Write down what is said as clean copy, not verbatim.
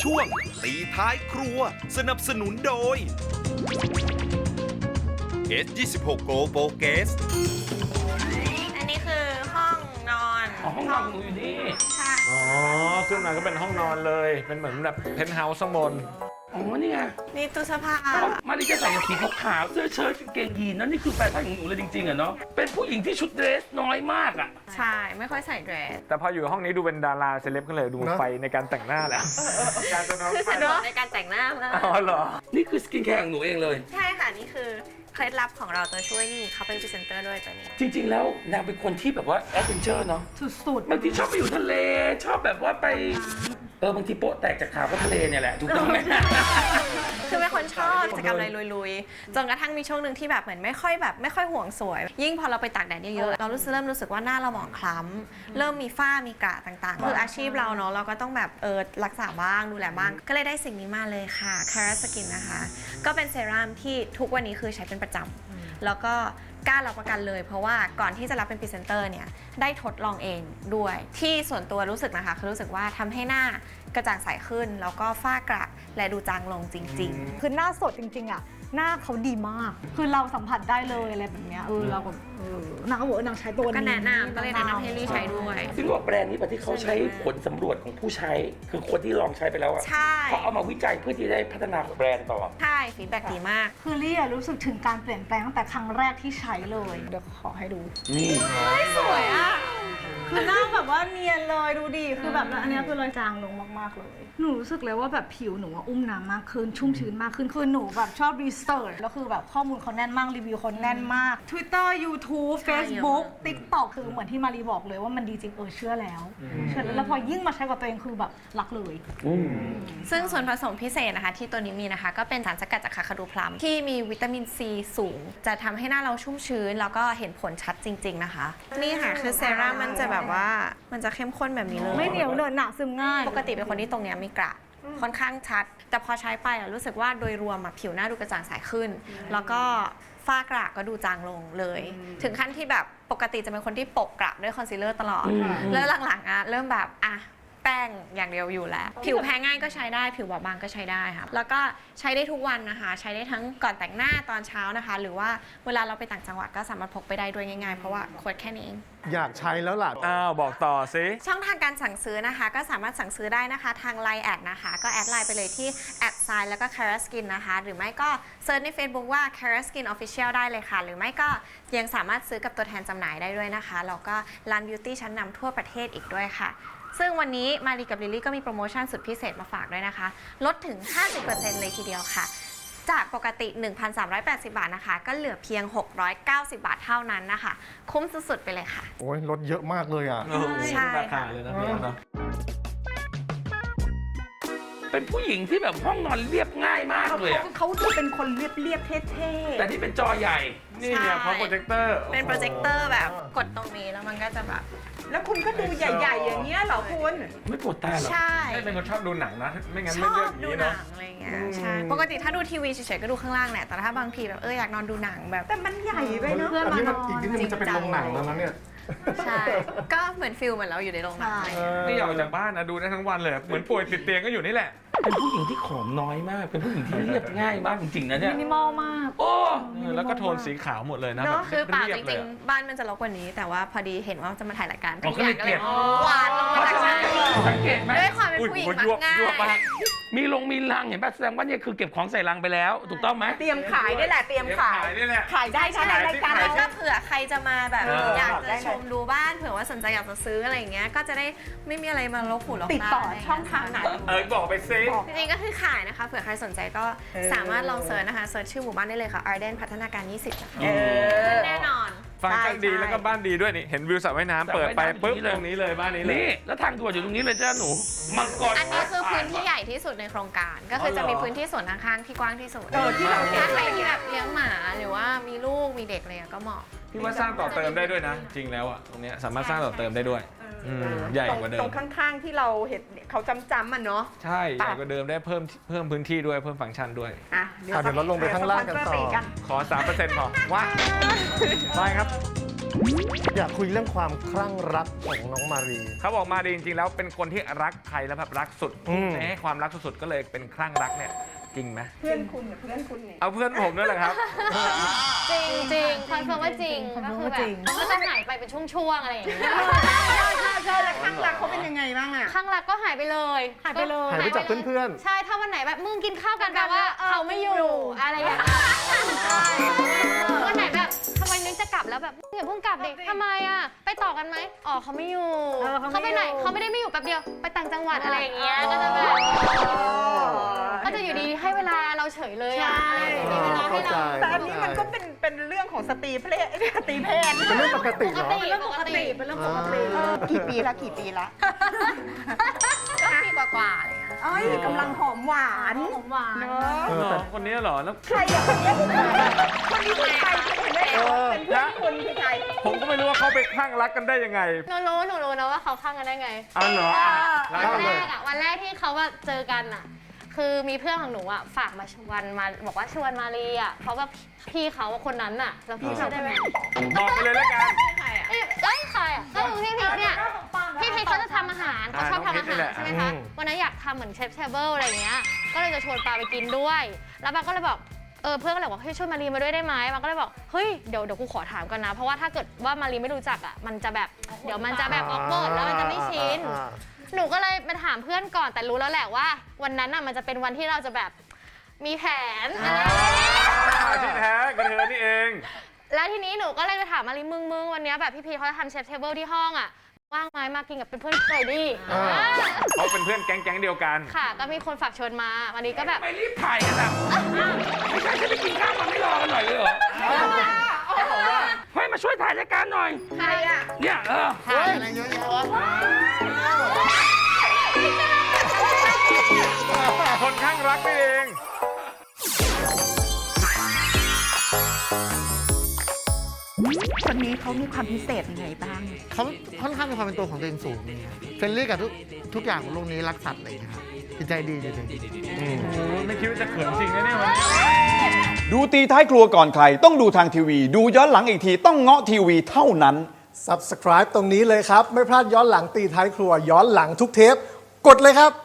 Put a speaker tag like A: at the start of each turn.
A: ช่วงตีท้ายครัวสนับสนุนโดย S26 Go Focus
B: อันนี้คือห้องนอน
C: ห้องนอนหนูอยู่นี่
B: ค่ะ
D: อ๋อขึ้นมาก็เป็นห้องนอนเลย เป็นเหมือนแบบเพนท์เฮาส์ข้างบน
C: อ๋อนี่ไง
B: นี่ตู้เสื้อผ้า
C: มาริจะใส่สีขาวๆเสื้อเชิ้ตกางเกงยีนนั่นนี่คือแฟชั่นของหนูเลยจริงๆอะเนาะเป็นผู้หญิงที่ชุดเดรสน้อยมากอะ
B: ใช่ ไม่ค่อยใส่เดรส
D: แต่พออยู่ห้องนี้ดูเป็นดาราเซเลบกันเลยดูไฟในการแต่งหน้าแล้วการจะนอน
B: คือ
D: ไฟ
B: สะดวกในการแต่งหน้ามาก
D: อ๋อเหรอ
C: นี่คือสกินแคร์ของหนูเองเลย
B: ใช่ค่ะ นี่คือเคล็ดลับของเราตัวช่วยนี่เขาเป็นพรีเซนเตอร์ด้วยตัวนี้
C: จริงๆแล้วนางเป็นคนที่แบบว่าแอดเวนเจอร์เนาะ
B: สุด
C: บางทีชอบไปอยู่ทะเลชอบแบบว่าไปบางทีโป๊ะแตกจากข่าวก็ทะเลเนี่ยแหละถูกต้องไหม
B: ๆ คือเป็นคนชอบกิจกรรมอะไรลุยๆ จนกระทั่งมีช่วงหนึ่งที่แบบเหมือนไม่ค่อยห่วงสวย ยิ่งพอเราไปตากแดดเยอะๆ เราเริ่มรู้สึกว่าหน้าเราหมองคล้ำ เริ่มมีฝ้ามีกระต่างๆ คืออาชีพเราเนาะเราก็ต้องแบบรักษาบ้างดูแลบ้าง ก็เลยได้สิ่งนี้มาเลยค่ะ Cara Skin นะคะ ก็เป็นเซรั่มที่ทุกวันนี้คือใช้เป็นประจำ แล้วก็กล้ารับประกันเลยเพราะว่าก่อนที่จะรับเป็นพรีเซนเตอร์เนี่ยได้ทดลองเองด้วยที่ส่วนตัวรู้สึกนะคะคือรู้สึกว่าทำให้หน้ากระจ่างใสขึ้น แล้วก็ฝ้ากระและดูจางลงจริง
E: คือหน้าสดจริงๆอ่ะหน้าเขาดีมาก คือเราสัมผัสได้เลยอะไรแบบเนี้ยเราแบบนางก็บอกว่านางใช้ตัว
B: ๆ
E: นี้
B: ก็แนะนำก็เลยแนะนำให้ลี่ใช้ด้วย
C: ซึ่งว่าแบรนด์นี้ปะที่เขาใช้ผลสำรวจของผู้ใช้ คือคนที่ลองใช้ไปแล้วอะ
B: ใช่
C: เขาเอามาวิจัยเพื่อที่จะได้พัฒนาแบรนด์ต่อ
B: ใช่ฟีดแบ็กดีมาก
E: คือลี่อะรู้สึกถึงการเปลี่ยนแปลงตั้งแต่ครั้งแรกที่ใช้เลยเดี๋ยวขอให้ดู
C: นี่
E: สวยอ่ะคือหน้าแบบว่าเนียนเลยดูดิคือแบบอันเนี้ยคือรอยจางลงมากๆเลยหนูรู้สึกเลยว่าแบบผิวหนูอะอุ้มน้ำมากขึ้นชุ่มชื้นมากขึ้นคือหนูแบบชอบรีเสิร์ชแล้วคือแบบข้อมูลเขาแน่นมากรีวิวเขาแน่นมาก Twitter YouTube
B: ใช่
E: Facebook TikTok คือเหมือนที่มารีบอกเลยว่ามันดีจริงเชื่อแล้วเชื่อแล้วพอยิ่งมาใช้กับตัวเองคือแบบรักเลย
B: ซึ่งส่วนผสมพิเศษนะคะที่ตัวนี้มีนะคะก็เป็นสารสกัดจากคาคาดูพลัมที่มีวิตามินซีสูง จะทำให้หน้าเราชุ่มชื้น แล้วก็เห็นผลชัดจริง ๆนะคะ นี่ค่ะคือเซรั่มมันจะแบบว่ามันจะเข้มข้นแบบนี้เลย
E: ไม่เหนียวเหนอะหนะซึมง่าย
B: ปกติเป็นคนที่ตรงเนี้ยมีกระค่อนข้างชัด แต่พอใช้ไปรู้สึกว่าโดยรวมผิวหน้าดูกระจ่างใสขึ้น แล้วก็ฝ้ากระก็ดูจางลงเลย ถึงขั้นที่แบบปกติจะเป็นคนที่ปกกระด้วยคอนซีลเลอร์ตลอด แล้วหลังๆเริ่มแบบแป้งอย่างเดียวอยู่แล้ว ผิวแพ้ง่ายก็ใช้ได้ ผิวบอบบางก็ใช้ได้ค่ะแล้วก็ใช้ได้ทุกวันนะคะ ใช้ได้ทั้งก่อนแต่งหน้าตอนเช้านะคะ หรือว่าเวลาเราไปต่างจังหวัดก็สามารถพกไปได้ด้วยง่ายๆเพราะว่าขวดแค่นี้เอง
F: อยากใช้แล้วล่ะ
D: อ้าวบอกต่อสิ
B: ช่องทางการสั่งซื้อนะคะ ก็สามารถสั่งซื้อได้นะคะทาง Line แอดนะคะ ก็แอดไลน์ไปเลยที่@แล้วก็ Cara Skin นะคะ หรือไม่ก็เซิร์ชใน Facebook ว่า Cara Skin Official ได้เลยค่ะ หรือไม่ก็ยังสามารถซื้อกับตัวแทนจำหน่ายได้ด้วยนะคะแล้วก็ร้านบิวตี้ชั้นนำทั่วประเทศอีกด้วยค่ะ ซึ่งวันนี้มารีกับลิลลี่ก็มีโปรโมชั่นสุดพิเศษมาฝากด้วยนะคะ ลดถึง 50% เลยทีเดียวค่ะ จากปกติ 1,380 บาทนะคะ ก็เหลือเพียง 690 บาทเท่านั้นนะคะ คุ้มสุดๆไปเลยค่ะ
F: โอ้ยลดเยอะมากเลยอ่ะ
B: ใช่
D: ราคาเลยนะพี่เนาะ
C: เป็นผู้หญิงที่แบบห้องนอนเรียบง่ายมากเลยอะ
E: เขาดูเป็นคนเรียบๆเท่
C: แต่นี่เป็นจอใหญ่
D: นี่เนี่ยเพราะโปรเจคเตอร์
B: เป็นโปรเจคเตอร์แบบกดตรงนี้แล้วมันก็จะแบบ
G: แล้วคุณก็ดูใหญ่ ๆ อย่างเงี้ยเหรอคุณ
C: ไม่ปวดตาเหรอ
B: ใช่
D: ให้เป็นคนชอบดูหนังนะ ไม่งั้น
B: ช
D: ไม่
B: อ
D: เลือก
B: บ
D: อย่าง
B: ดู
D: นี้
B: หนั
D: เนาะ
B: งอะไรเงี้ยใช่ปกติถ้าดูทีวีเฉยๆก็ดูข้างล่างแหละแต่ถ้าบางทีแบบอยากนอนดูหนังแบบ
G: แต่มันใหญ่ไปเนาะ
E: เพื่อน
F: อัน
E: มา
F: นี้
E: น
F: มัน
E: อน
F: อีกนิดนึงมันจะเป็นโรงหนังแล้วนะเนี่ย
B: ใช่ ก็เหมือนฟิลเหมือนเราอยู่ในโรงหนังอะไรเงี้ย
D: ไม่อยากออกจากบ้านนะดูได้ทั้งวันเลย เหมือนป่วยติดเตียงก็อยู่นี่แหละ
C: เป็นผู้หญิงที่ผอมน้อยมาก เป็นผู้หญิงที่เรียบง่ายมากจริงๆนะเนี่ย
E: มินิมอลมาก
C: โอ้
D: แล้วก็โทนสีขาวหมดเลยนะแบบ
B: คือเปล่า
D: เรีย
B: จ
D: บเล
B: ริ
D: ย
B: งๆ บ้านมันจะรกกว่านี้ แต่ว่าพอดีเห็นว่าจะมาถ่ายรายการ
C: อ๋อก็เลยเกลียด
B: หวานลงมาจากชั้น
C: สังเกตไหม
B: ด้วยความเป็นผู้หญิงมักง่าย
D: ยั่วมาก
C: มีลังเห็นป่ะแสดงว่าเนี่ยคือเก็บของใส่ลังไปแล้ว ถูกต้องไหม
G: เตรียมขายได้แหละ เตรียมขาย
D: นี่แหละ
G: ขายได้ใช่ไหมรายการ
B: แล้ว
G: เรา
B: ก็เผื่อใครจะมาแบบ
G: เออ
B: อยาก
G: ได้
B: จะ
G: เลย
B: ชมดูบ้านเผื่อว่าสนใจอยากจะซื้ออะไรอย่างเงี้ยก็จะได้ไม่มีอะไรมาลบหูลบตา
G: ติดต่อช่องทางไหน
D: บอกไปซิ
B: จริงๆก็คือขายนะคะเผื่อใครสนใจก็สามารถลองเซิร์ชนะคะเซิร์ชชื่อหมู่บ้านได้เลยค่ะ Arden พัฒนาการ 20 นะคะ
G: เออ
B: แน่นอน
D: ฟังก์ชันดีแล้วก็บ้านดีด้วยนี่ เห็นวิวสระว่ายน้ำเปิดไปปุ๊บตรงนี้เลยบ้านนี้เลย
C: นี่แล้วทางด่วนอยู่ตรงนี้เลยจ้าหนู มังกร
B: อันนี้คือพื้นที่ใหญ่ที่สุดในโครงการ ก็คือจะมีพื้นที่ส่วนข้างๆที่กว้างที่สุด
G: ที่เราเห็น
B: ถ้าใครที่แบบเลี้ยงหมาหรือว่ามีลูกมีเด็กอะไรก็เหมาะ
D: พี่ว่าสร้างต่อเติมได้ด้วยนะ จริงแล้วอ่ะตรงเนี้ยสามารถสร้างต่อเติมได้ด้วยใหญ่กว่าเดิ
G: ตร
D: ม
G: งข้างๆที่เราเห็นเขาจำๆมันเนาะ
D: ใช่ใหญ่กว่าเดิมได้เพิ่มพื้นที่ด้วยเพิ่มฟังก์ชันด้วย
G: อ่ะ
F: เดี๋ยวเราลงไปข้างล่างกันต่อ
G: เดี๋ยวสปอนเซอร์เบรกกัน
D: ขอ 3% พอว่าไปครับ
F: อยากคุยเรื่องความคลั่งรักของน้องมารี
D: เขาบอกมาดีจริงๆแล้วเป็นคนที่รักใครแล้วแบบรักสุด
F: อืม
D: ให้ความรักสุดๆก็เลยเป็นคลั่งรักเนี่ยจริงไหม
G: เพื่อนคุณกับเพื่อนคุณเนี่ย
D: เอาเพื่อนผมนั่นแหละครับ
H: จริงจริงคอนเฟิร์มว่าจริงก็คือแบบก็จะหายไปเป็นช่วงๆอะไรอย่างเงี้ย
G: ใช่แล้วข้างรักเขาเป็นยังไงบ้างอะ
H: ข้างรักก็หายไปเลย
E: หายไปเลย
F: หายไปจากเพื่อน
H: ใช่ถ้าวันไหนแบบมึงกินข้าวกันแปลว่าเขาไม่อยู่อะไรอย่างเงี้ยวันไหนแบบทำไมนึกจะกลับแล้วแบบอย่าเพิ่งกลับดิทำไมอ่ะไปต่อกันไหมอ๋อเขาไม่อยู่เขาไปไหนเขาไม่ได้ไม่อยู่แป๊บเดียวไปต่างจังหวัดอะไรอย่างเงี้ยก็จะแบบก็จะอยู่ดีให้เวลาเราเฉยเลยอ่ะอะไรอย่างเงี้ยมีเวลาให้เรา
G: แต่อันนี้มันก็เป็นเรื่องของสตรีเพศสตรีเพศ
F: ๆเป็นเรื่องปกติเหรอ
H: เป็นเรื่องปกติ
E: เป็นเรื่องปกติ
G: กี่ปีละกี่ปีละ
B: ก็ปีกว่าๆอะไรเงี้ย
G: เอ้ยกำลังหอมหวาน
E: หอมหวาน
G: เนอะ
D: แต่คนนี้เหรอแล้ว
G: ใครอะคนนี้คนนี้คือใครคนนี้เป็นเพื่อนคุณคือใคร
D: ผมก็ไม่รู้ว่าเขาไปคลั่งรักกันได้ยังไง
H: หนูรู้นะว่าเขาข้างกันได้ไง
D: อ๋อเหรอแล้ว
H: วัน
D: ก็
H: แร
D: เลย
H: กอะวันแรกที่เขาว่าเจอกันอะคือมีเพื่อนของหนูอะฝากมาชวนมาบอกว่าชวนมารีอะเพราะว่าพี่เขาคนนั้นอะแล้วพี่เขาได้ไหม
D: บอกไปเลยแล้วกัน
H: เอ้ยใครอะก็คือพี่พีชเนี่ยพี่พีชเขาจะทำอาหารเขาชอบทำอาหารใช่ไหมคะวันนั้นอยากทำเหมือนเชฟเทเบิลอะไรอย่างเงี้ยก็เลยจะชวนปาไปกินด้วย แล้วปาก็เลยบอกเพื่อนก็เลยบอกให้ช่วยมารีมาด้วยได้ไหมปาก็เลยบอกเฮ้ยเดี๋ยวกูขอถามก่อนนะเพราะว่าถ้าเกิดว่ามารีไม่รู้จักอะมันจะแบบเดี๋ยวมันจะแบบออกเบิร์ดแล้วมันจะไม่ชิน หนูก็เลยไปถามเพื่อนก่อนแต่รู้แล้วแหละว่าวันนั้นน่ะมันจะเป็นวันที่เราจะแบบมีแผนอะไรอย่างเงี้ย
D: ที่แท้ก็เธอนี่เอง
H: แล้วทีนี้หนูก็เลยไปถามมาริมึงวันเนี้ยแบบพี่พีเขาจะทำเชฟเทเบิลที่ห้องอ่ะว่างไหมมากินกับเป็นเพื่อนหน่อยดิ
D: เขาเป็นเพื่อนแก๊งเดียวกัน
H: ค่ะก็มีคนฝากชวนมาวันนี้ก็แบบ
C: ไม่รีบถ่ายกันอ่ะไม่ใช่จะไปกินข้าวมันไม่รอกันหน่อยเลยเหรอเฮ้ยมาช่วยถ่ายรายการหน่อย
G: ใครอะ
C: เนี่ย
F: ถ่ายอะไรเยอะแยะวะ
D: คนข้างรักนี่เอง
G: คนนี้เขามีความพิเศษยังไงบ้าง
F: เขาค่อนข้างมีความเป็นตัวของตัวเองสูงเฟรนลี่กับทุกอย่างของโลกนี้รักสัตว์อะไรอย่างเงี้ยครับจิตใจดีจริง
D: โอ้โหไม่คิดว่าจะเขินจริงนะเนี่ยวันนี้
I: ดูตีท้ายครัวก่อนใครต้องดูทางทีวี ดูย้อนหลังอีกทีต้องเงาะทีวีเท่านั้น
J: Subscribe ตรงนี้เลยครับ ไม่พลาดย้อนหลังตีท้ายครัวย้อนหลังทุกเทป กดเลยครับ